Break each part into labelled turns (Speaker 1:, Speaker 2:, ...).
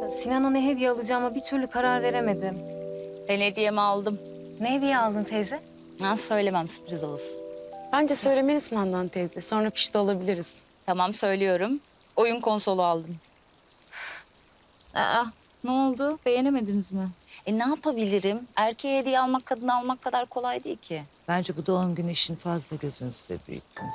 Speaker 1: Sinan'a ne hediye alacağıma bir türlü karar veremedim.
Speaker 2: Ben hediyemi aldım.
Speaker 1: Ne hediye aldın teyze?
Speaker 2: Ha, söylemem, sürpriz olsun.
Speaker 3: Bence söylemelisin Handan teyze. Sonra pişti olabiliriz.
Speaker 2: Tamam, söylüyorum. Oyun konsolu aldım. Aa, ne oldu? Beğenemediniz mi? Ne yapabilirim? Erkeğe hediye almak, kadına almak kadar kolay değil ki.
Speaker 4: Bence bu doğum günü işini fazla gözünüzde büyüttünüz.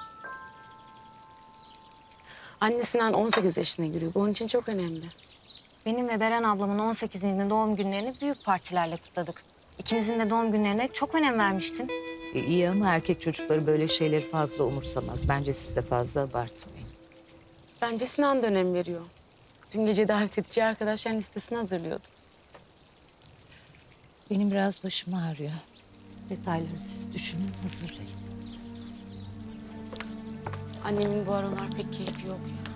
Speaker 3: Anne Sinan 18 yaşına giriyor. Bu onun için çok önemli.
Speaker 1: Benim ve Beren ablamın 18. doğum günlerini büyük partilerle kutladık. İkimizin de doğum günlerine çok önem vermiştin.
Speaker 4: İyi ama erkek çocukları böyle şeyleri fazla umursamaz. Bence siz de fazla abartmayın.
Speaker 3: Bence Sinan da önem veriyor. Dün gece davet edeceği arkadaşların listesini hazırlıyordu.
Speaker 4: Benim biraz başım ağrıyor. Detayları siz düşünün, hazırlayın.
Speaker 3: Annemin bu aralar pek keyfi yok ya.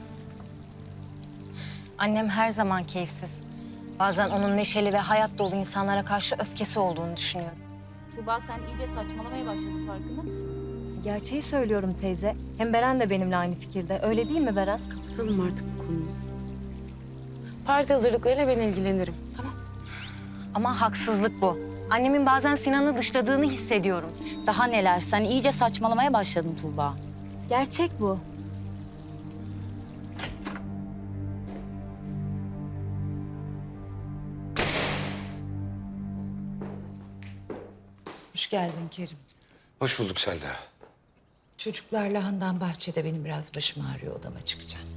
Speaker 1: Annem her zaman keyifsiz. Bazen onun neşeli ve hayat dolu insanlara karşı öfkesi olduğunu düşünüyorum.
Speaker 2: Tuğba, sen iyice saçmalamaya başladın, farkında mısın?
Speaker 1: Gerçeği söylüyorum teyze. Hem Beren de benimle aynı fikirde. Öyle değil mi Beren?
Speaker 3: Kapatalım artık bu konuyu. Parti hazırlıklarıyla ben ilgilenirim. Tamam.
Speaker 1: Ama haksızlık bu. Annemin bazen Sinan'ı dışladığını hissediyorum.
Speaker 2: Daha neler? Sen iyice saçmalamaya başladın Tuğba.
Speaker 1: Gerçek bu.
Speaker 4: Hoş geldin Kerim.
Speaker 5: Hoş bulduk Selda.
Speaker 4: Çocuklarla Handan bahçede, benim biraz başım ağrıyor, odama çıkacağım.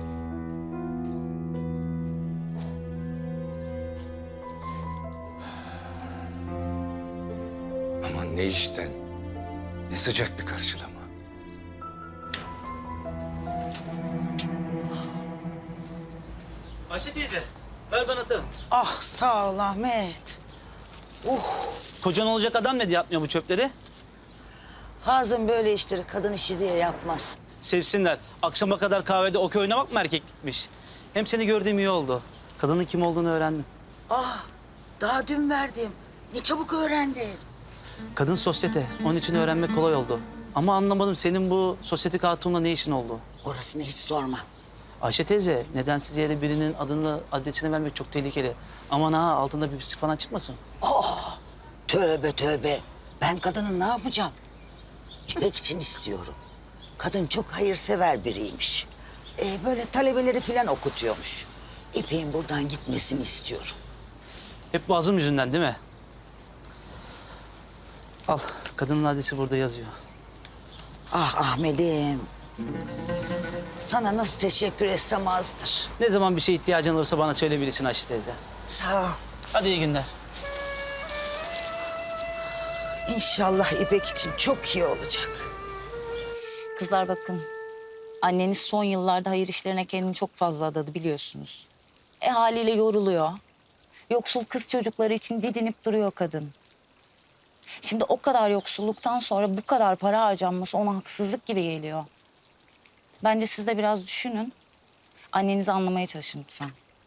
Speaker 5: Aman ne işten, ne sıcak bir karşılama.
Speaker 6: Ayşe teyze, ver bana atalım.
Speaker 7: Ah sağ ol Ahmet.
Speaker 6: Kocan olacak adam ne diye atmıyor bu çöpleri?
Speaker 7: Hazım böyle işleri kadın işi diye yapmaz.
Speaker 6: Sevsinler. Akşama kadar kahvede okey oynamak mı erkeklikmiş? Hem seni gördüğüm iyi oldu. Kadının kim olduğunu öğrendim.
Speaker 7: Ah daha dün verdim. Ne çabuk öğrendin.
Speaker 6: Kadın sosyete. Onun için öğrenmek kolay oldu. Ama anlamadım, senin bu sosyetik hatunla ne işin oldu?
Speaker 7: Orasını hiç sorma.
Speaker 6: Ayşe teyze, nedensiz yere birinin adını, adresini vermek çok tehlikeli. Aman ha, altında bir pislik falan çıkmasın.
Speaker 7: Tövbe tövbe. Ben kadının ne yapacağım? İpek için istiyorum. Kadın çok hayırsever biriymiş. Böyle talebeleri falan okutuyormuş. İpek'in buradan gitmesini istiyorum.
Speaker 6: Hep bu azım yüzünden değil mi? Al, kadının adresi burada yazıyor.
Speaker 7: Ah Ahmet'im. Sana nasıl teşekkür etsem azdır.
Speaker 6: Ne zaman bir şeye ihtiyacın olursa bana söyleyebilirsin Ayşe teyze.
Speaker 7: Sağ ol.
Speaker 6: Hadi iyi günler.
Speaker 7: İnşallah İpek için çok iyi olacak.
Speaker 2: Kızlar bakın, anneniz son yıllarda hayır işlerine kendini çok fazla adadı, biliyorsunuz. Haliyle yoruluyor. Yoksul kız çocukları için didinip duruyor kadın. Şimdi o kadar yoksulluktan sonra bu kadar para harcanması ona haksızlık gibi geliyor. Bence siz de biraz düşünün. Annenizi anlamaya çalışın lütfen.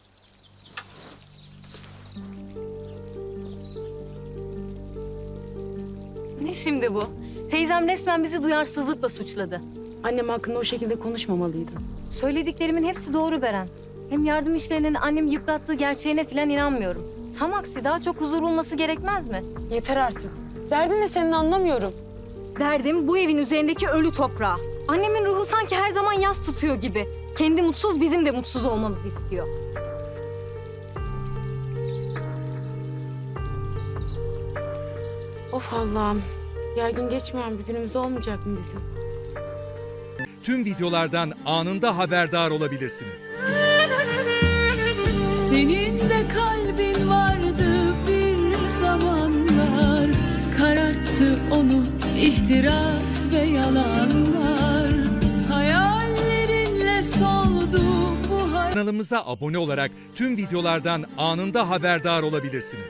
Speaker 1: Ne şimdi bu? Teyzem resmen bizi duyarsızlıkla suçladı.
Speaker 3: Annem hakkında o şekilde konuşmamalıydın.
Speaker 1: Söylediklerimin hepsi doğru Beren. Hem yardım işlerinin annemi yıprattığı gerçeğine falan inanmıyorum. Tam aksi daha çok huzur bulması gerekmez mi?
Speaker 3: Yeter artık. Derdin ne senin, anlamıyorum.
Speaker 1: Derdim bu evin üzerindeki ölü toprağı. Annemin ruhu sanki her zaman yas tutuyor gibi. Kendi mutsuz, bizim de mutsuz olmamızı istiyor.
Speaker 3: Of Allah'ım. Gergin geçmeyen bir günümüz olmayacak mı bizim?
Speaker 8: Tüm videolardan anında haberdar olabilirsiniz.
Speaker 9: Senin de kalbin vardı bir zamanlar, kararttı onu ihtiras ve yalanlar. Hayallerinle soldu bu
Speaker 8: Kanalımıza abone olarak tüm videolardan anında haberdar olabilirsiniz.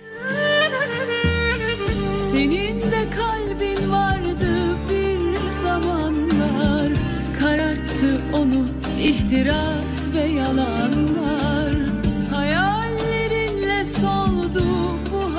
Speaker 9: Senin de kalbin vardı bir zamanlar, kararttı onu ihtiras ve yalanlar. Hayallerinle sol